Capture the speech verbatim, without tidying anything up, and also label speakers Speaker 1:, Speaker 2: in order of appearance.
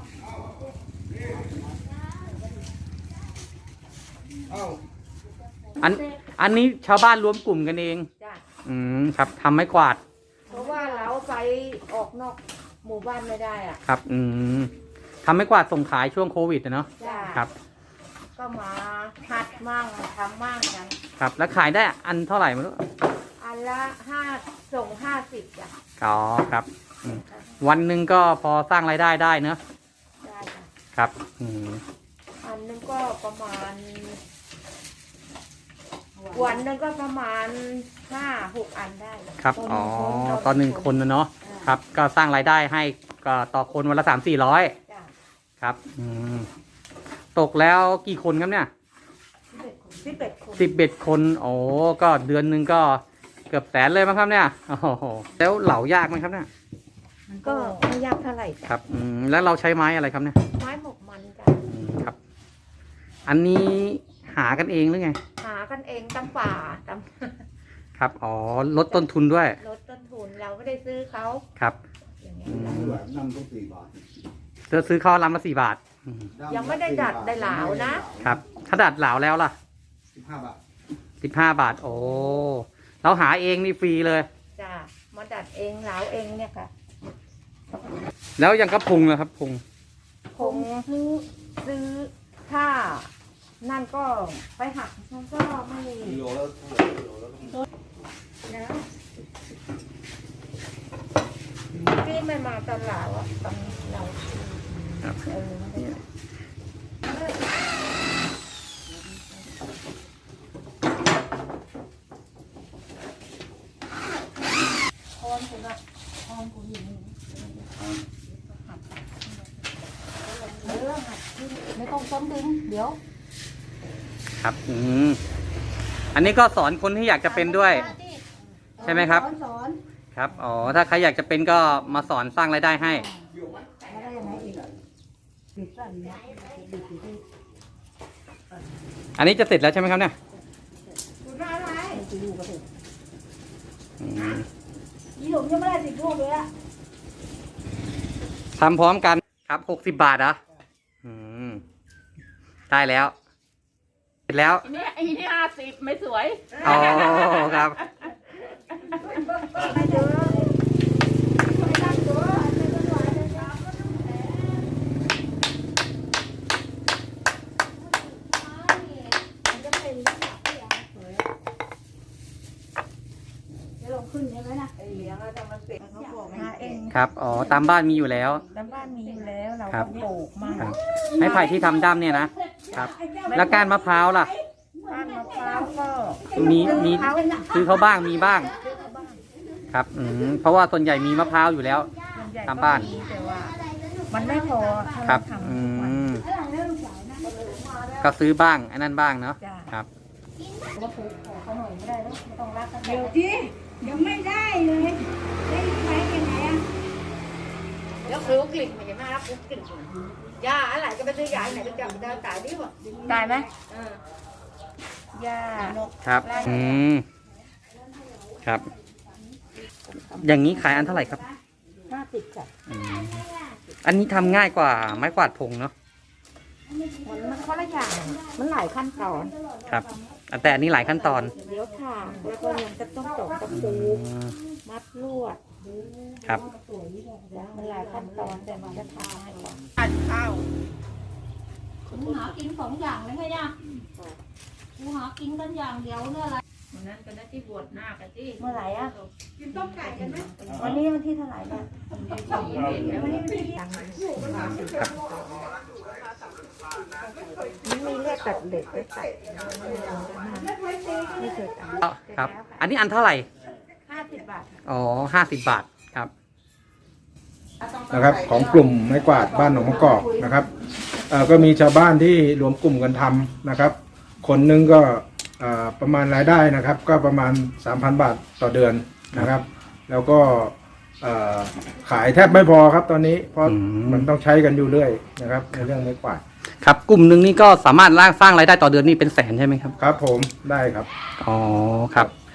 Speaker 1: อันอันนี้ชาวบ้านรวมกลุ่มกันเองอืมครับทำไม้กวาด
Speaker 2: เพราะว่าเราไปออกนอกหมู่บ้านไม่ได้อ่ะ
Speaker 1: ครับอืมทำไม้กวาดส่งขายช่วงโควิดเนาะครับ
Speaker 2: ก็มาหัดมั่งทำมั่งกัน
Speaker 1: ครับแล้วขายได้อันเท่าไหร่ไม่รู้
Speaker 2: อันละห้าส่งห้าสิบจ้ะ
Speaker 1: อ๋อครับวันหนึ่งก็พอสร้างรายได้ได้เนอะ
Speaker 2: ได้ค่ะ
Speaker 1: ครับอืม
Speaker 2: อันนึงก็ประมาณวันนึงก็ประมาณห้าหกอันได้
Speaker 1: ครับอ๋อตอนหนึ่งคนนะเนาะครับก็สร้างรายได้ให้ก็ต่อคนวันละสามสี่ร้อยครับอืมตกแล้วกี่คนครับเนี่ย
Speaker 2: สิบเอ็ดคน
Speaker 1: สิบเอ็ดคนโอ้ก็เดือนหนึ่งก็เกือบแสนเลยมั้งครับเนี่ยโอ้โหแล้วเหลายากไหมครับเนี่ย
Speaker 2: มันก็ไม่ยากเท่าไหร่
Speaker 1: ครับอืมแล้วเราใช้ไม้อะไรครับเนี่ย
Speaker 2: ไม้หมกมันจ้ะ
Speaker 1: ครับอันนี้หากันเองหรือไง
Speaker 2: หากันเองตามป่าตาม
Speaker 1: ครับอ๋อลดต้นทุนด้วย
Speaker 2: ลดต้นทุนเราไม่ได้ซื้อเขา
Speaker 1: ครับ
Speaker 3: น้ำต้องสี่บาท
Speaker 1: จะซื้อข้าวลำละสี่บาท
Speaker 2: ยังไม่ได้ดัดได้เหลานะครับ
Speaker 1: ถ้าดัดเหลาแล้วล่ะ
Speaker 3: สิบห้าบาท
Speaker 1: สิบห้าบาทโอ้เราหาเองนี่ฟรีเลย
Speaker 2: จ้ะมาดัดเองเหลาเองเนี่ยค่ะ
Speaker 1: แล้วยังกระพุงนะครับพุง
Speaker 2: พุงซื้อซื้อถ้านั่นก็ไปหักมันก็ไม่โลแล้วนะพี่ไม่มาตอนเหลาอ่ะตอนเราเออคอนคุณอะคอนคุณอยู่นี่ไม่ต้องต้มดึงเดี๋ยว
Speaker 1: ครับอืมอันนี้ก็สอนคนที่อยากจะเป็นด้วยใช่ไหมครับ
Speaker 2: สอน
Speaker 1: ครับอ๋อถ้าใครอยากจะเป็นก็มาสอนสร้างรายได้ให้อันนี้จะเสร็จแล้วใช่ไหมครับเนี่ย
Speaker 2: ยี่หลุมยังไม่ได้ติดลูกเลยอะ
Speaker 1: ทำพร้อมกันครับหกสิบบาทเหรออืมได้แล้วเสร็จแล้ว
Speaker 4: อันนี้อันนี้ห้าสิบไม่สวย
Speaker 1: อ๋อครับครับอ๋อตามบ้านมีอยู่แล้ว
Speaker 2: ตามบ้านมีอยู่แล้วเราก็ปลูกมาก
Speaker 1: ไม้ไผ่ที่ทำด้ามเนี่ยนะครับแล้วก้านมะพร้าวล่ะ
Speaker 2: ก้านมะพร้าวก็
Speaker 1: มีมีซื้อเขาบ้างมีบ้างครับอืมเพราะว่าส่วนใหญ่มีมะพร้าวอยู่แล้วตามบ้าน
Speaker 2: แต่ว่ามันไม่พอ
Speaker 1: ครับอืมก็ซื้อบ้างอันนั้นบ้างเนาะครับ
Speaker 2: ก็ปลูกเขาหน่อยไม่ได้แล้วไม่ต้องรักกัน
Speaker 5: เดี๋ยวที่ยังไม่ได้เลยได้ไปยังไงอ่ะ
Speaker 2: แล้วคือกลิ่นเห็นไหมครับกลิ่นยาอะไรก็ไปซื้อยาไหนก็จะได้ตายดิวะตายไหมยา
Speaker 1: ครับอืมครับอย่างนี้ขายอันเท่าไหร่ครับ
Speaker 2: ห้าสิบจ้ะ
Speaker 1: อันนี้ทำง่ายกว่าไม้กวาดพงเนาะ
Speaker 2: มันมันคนละอย่างมันหลายขั้นตอน
Speaker 1: ครับแต่อันนี้หลายขั้นตอน
Speaker 2: เดี๋ยวค่ะแล้วก็ยังจะต้องตอกตะปูมัดลวด
Speaker 1: ครับ
Speaker 2: มันหลายขั้นตอนแต่มันจะทำให้ก่อน
Speaker 4: อัดข้าว
Speaker 5: กูหากินสองอย่างเลยไงเนี่ยกูหากินกันอย่างเดียวเนี่ยอะไร
Speaker 4: วันนั้นก็ได้ที่บวชหน้ากันที่
Speaker 2: เมื่อไหร่อ่ะ
Speaker 5: กินต้มไก่กันไหม
Speaker 2: วันนี้วันที่เท่าไหร่เนี่ยวันนี้วันที่นี่มีเลือดตัดเด็กไปใส่ไม่เคยตัด
Speaker 1: ครับอันนี้อันเท่าไหร่
Speaker 2: ห้าสิบบาท
Speaker 1: อ๋อห้าสิบบาทครับ
Speaker 3: นะครับของกลุ่มไม้กวาดบ้านหนองมะกอกนะครับเอ่อก็มีชาวบ้านที่รวมกลุ่มกันทำนะครับคนนึงก็ประมาณรายได้นะครับก็ประมาณ สามพัน บาทต่อเดือนนะครับแล้วก็ขายแทบไม่พอครับตอนนี้เพราะมันต้องใช้กันอยู่เรื่อยนะครับในเรื่องไม้กวาด
Speaker 1: ครับกลุ่มหนึ่งนี่ก็สามารถสร้างรายได้ต่อเดือนนี่เป็นแสนใช่ไหมครับ
Speaker 3: ครับผมได้ครับ
Speaker 1: อ๋อครับ